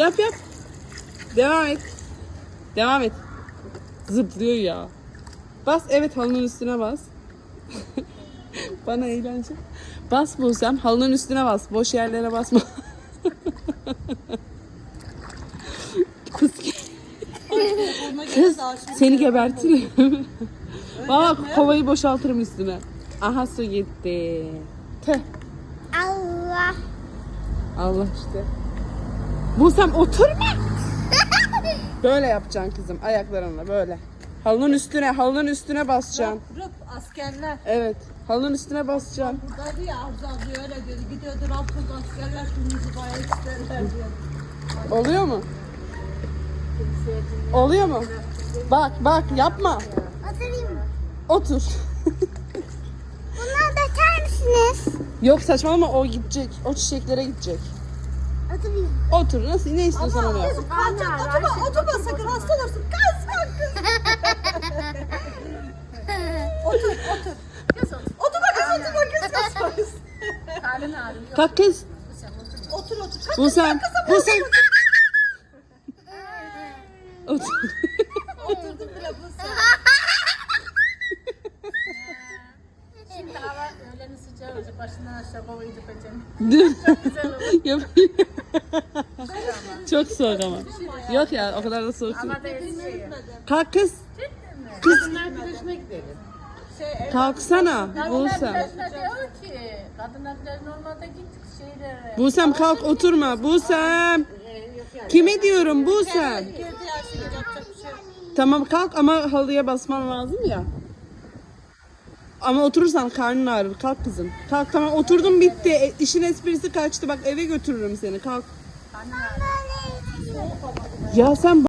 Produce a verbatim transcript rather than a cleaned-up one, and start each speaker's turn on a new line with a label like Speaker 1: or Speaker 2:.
Speaker 1: Yap yap. Devam et. Devam et. Zıplıyor ya. Bas, evet, halının üstüne bas. Bana eğlence. Bas Buse'm, halının üstüne bas. Boş yerlere basma. Kız, kız seni gebertirim. Bak, kovayı boşaltırım üstüne. Aha, su gitti. Tüh.
Speaker 2: Allah.
Speaker 1: Allah işte. Buse'm oturma. Böyle yapacaksın kızım, ayaklarınla böyle. Halının üstüne, halının üstüne basacaksın.
Speaker 3: Rıp, rıp askerler.
Speaker 1: Evet, halının üstüne basacaksın.
Speaker 3: Buradaydı ya Arzu abla öyle diyordu. Gidiyordu Rabbuz askerler kırmızı bayağı isterler diyor.
Speaker 1: Oluyor mu? Oluyor mu? Bak bak, yapma.
Speaker 2: Oturayım mı?
Speaker 1: Otur.
Speaker 2: Bunları döker misiniz?
Speaker 1: Yok, saçmalama, o gidecek. O çiçeklere gidecek.
Speaker 2: Oturayım.
Speaker 1: Otur, nasıl, ne istiyorsan onu yap.
Speaker 3: Kalkacak oturma, oturma sakın hasta olursun. Kız bak kız. Otur, otur. Oturma kız, oturma kız. Kız kız.
Speaker 1: Kalk kız.
Speaker 3: Otur, otur. Kalk,
Speaker 1: Buse'm, Buse'm. Otur.
Speaker 3: oturdum bile Buse.
Speaker 4: Şimdi hava öğlenin sıcağı olacak. Başından aşağı kovayı dökeceğim.
Speaker 1: Dur.
Speaker 4: Çok güzel olur.
Speaker 1: Yapayım. Çok soğuk ama. Yok ya, o kadar da soğuk değil.
Speaker 4: Ama da şey.
Speaker 1: Kalk kız.
Speaker 4: Kadınlar plajına gidelim.
Speaker 1: Kalksana
Speaker 4: Kadınlar
Speaker 1: Buse'm.
Speaker 4: plajına diyor ki. Kadınlar plajına olmadı gittik şeylere.
Speaker 1: Buse'm kalk, oturma. Buse'm. Kime diyorum Buse'm?
Speaker 3: Girdi ya şimdi yapacak bir şey yok.
Speaker 1: Tamam kalk ama halıya basman lazım ya. Ama oturursan karnın ağrır. Kalk kızım. Kalk, tamam, oturdum, bitti. E, işin esprisi kaçtı. Bak, eve götürürüm seni. Kalk. Ya sen